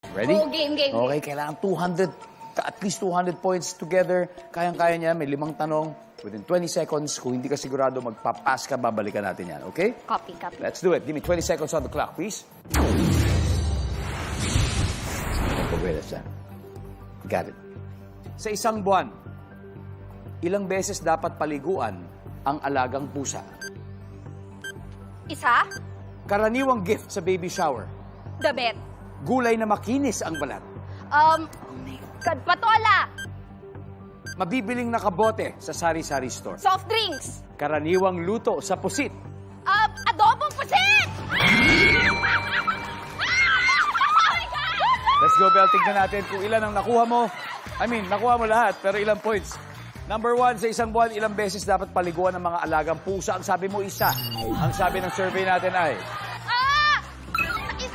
Ready? Oh, game. Okay, kailangan 200, at least 200 points together. Kayang-kaya niya, may 5 tanong. Within 20 seconds, kung hindi ka sigurado, magpapass ka, babalikan natin yan, okay? Copy. Let's do it. Give me 20 seconds on the clock, please. Okay, that's that. Got it. Sa isang buwan, ilang beses dapat paliguan ang alagang pusa? Isa, Karaniwang gift sa baby shower. damit. Gulay na makinis ang balat. Oh my God, patola. Mabibiling nakabote sa sari-sari store. Soft drinks. Karaniwang luto sa pusit. Adobong pusit! Let's go, Bel. Tignan natin kung ilan ang nakuha mo. Nakuha mo lahat, pero ilang points? Number 1, sa isang buwan, ilang beses dapat paliguan ng mga alagang pusa? Ang sabi mo, isa. Ang sabi ng survey natin ay... Isa!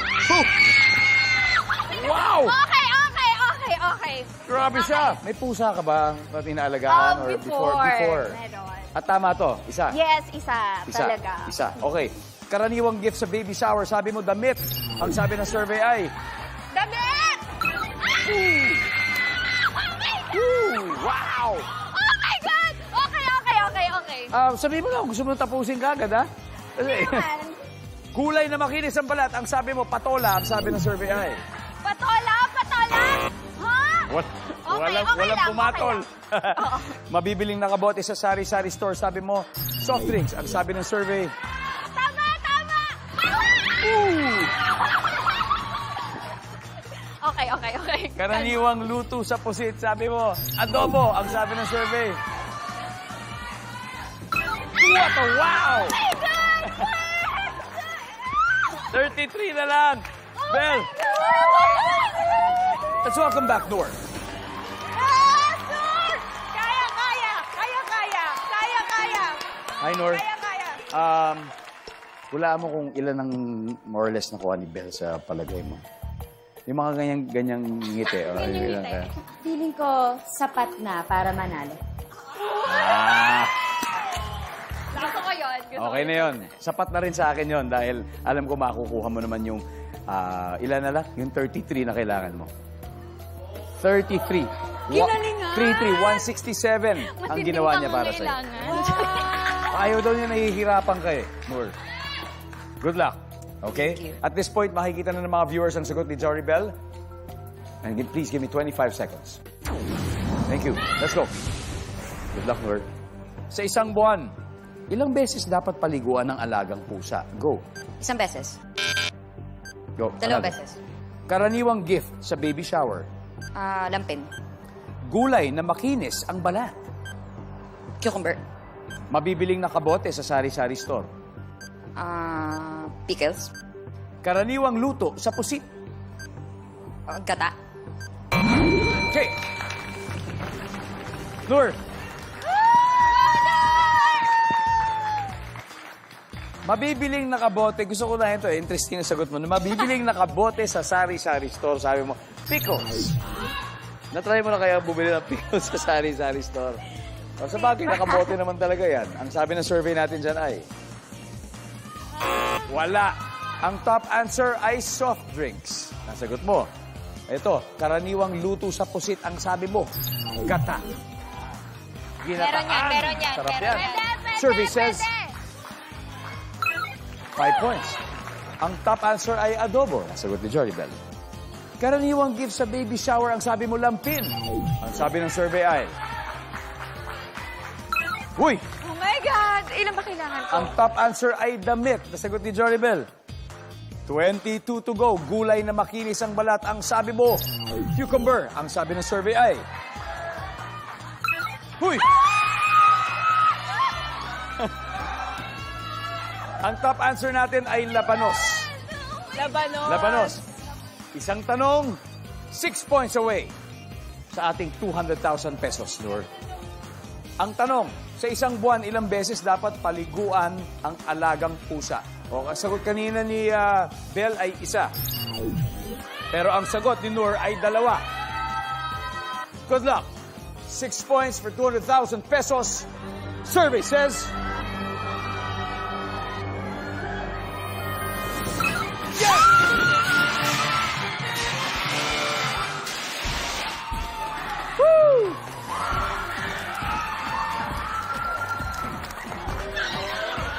Wow! Okay. Grabe siya. May pusa ka ba na inaalagaan? Or before? Meron. At tama to, isa. Yes, isa. Talaga. Isa. Okay. Karaniwang gift sa baby shower, sabi mo, damit. Ang sabi ng survey ay... Damit! Wow! Oh my God! Okay. Sabi mo lang, gusto mo tapusin ka agad, ha? Kasi, kulay na makinis ang balat. Ang sabi mo, patola. Ang sabi ng survey ay... Patola! Ha? Walang lang, pumatol. okay lang. Mabibiling nakabote sa sari-sari store. Sabi mo, soft drinks. Ang sabi ng survey... Tama! Okay. Karaniwang luto sa pusit. Sabi mo, adobo. Ang sabi ng survey. What a wow! 33 na lang. Bel, let's welcome back, Noor. Kaya. Hi, Noor. Kaya. Hulaan mo kung ilan ang more or less nakuha ni Bel sa palagay mo. Yung mga ganyang ngiti. Ganyang ngiti. Feeling ko sapat na para manalo. Gusto ko yun. Okay na yun. Sapat na rin sa akin yun dahil alam ko makukuha mo naman yung ilan na lang? Yung 33 na kailangan mo. 33. Ginalingan! 167 ang ginawa niya para sa'yo. Ayaw daw niya nahihirapan ka eh, Noor. Good luck. Okay? At this point, makikita na ng mga viewers ang sagot ni Jory Bell. And please give me 25 seconds. Thank you. Let's go. Good luck, Noor. Sa isang buwan, ilang beses dapat paliguan ng alagang pusa? Go. Isang beses. Go. Dalawang Another. beses. Karaniwang gift sa baby shower. Lampin. Gulay na makinis ang balat. Cucumber. Mabibiling nakabote sa sari-sari store. Pickles. Karaniwang luto sa pusit. Gata. Okay. Noor. Mabibiling nakabote. Gusto ko na ito. Interesting na sagot mo. Mabibiling nakabote sa sari-sari store. Sabi mo, pickles. Natry mo na kaya bumili ng pickles sa sari-sari store. O, sa bagay, nakabote naman talaga yan. Ang sabi ng survey natin dyan ay... Wala. Ang top answer ay soft drinks. Nasagot mo. Ito, karaniwang luto sa pusit. Ang sabi mo, gata. Ginataan. Meron yan. Sarap yan. Survey says... 5 points. Ang top answer ay adobo. Nasagot ni Jory Bell. Karaniwang gift sa baby shower. Ang sabi mo, lampin. Ang sabi ng survey ay... Uy! Oh my God! Ilan ba kailangan ko? Ang top answer ay damit. Nasagot ni Jory Bell. 22 to go. Gulay na makinis ang balat. Ang sabi mo, cucumber. Ang sabi ng survey ay... Uy! Ang top answer natin ay labanos. Labanos. Isang tanong, 6 points away sa ating 200,000 pesos, Noor. Ang tanong, sa isang buwan, ilang beses dapat paliguan ang alagang pusa? O, ang sagot kanina ni Bell ay isa. Pero ang sagot ni Noor ay 2. Good luck. 6 points for 200,000 pesos. Survey says...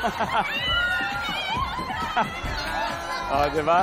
Oh, di ba?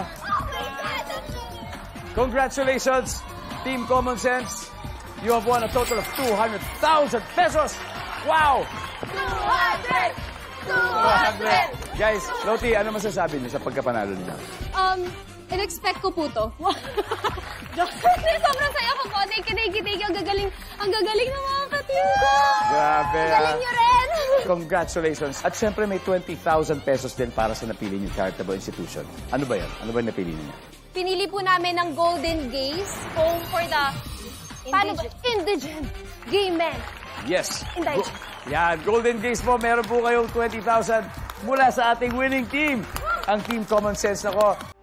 Congratulations, Team Common Sense. You have won a total of 200,000 pesos. Wow! 200! 200! Guys, Loti, ano masasabi niyo sa pagkapanalo niyo? In-expect ko po to. Sobrang saya ko po. Thank you. Ang gagaling ng mga ka-team ko. Grabe, Ang galing nyo rin. Congratulations. At syempre may 20,000 pesos din para sa napili niyo charitable institution. Ano ba yan? Ano ba yung napili niyo? Pinili po namin ng Golden Gaze Home for the Indigent Gay Men. Yes. Indigent. Yan, Golden Gaze po, meron po kayong 20,000 mula sa ating winning team. Ang Team Common Sense. Nako,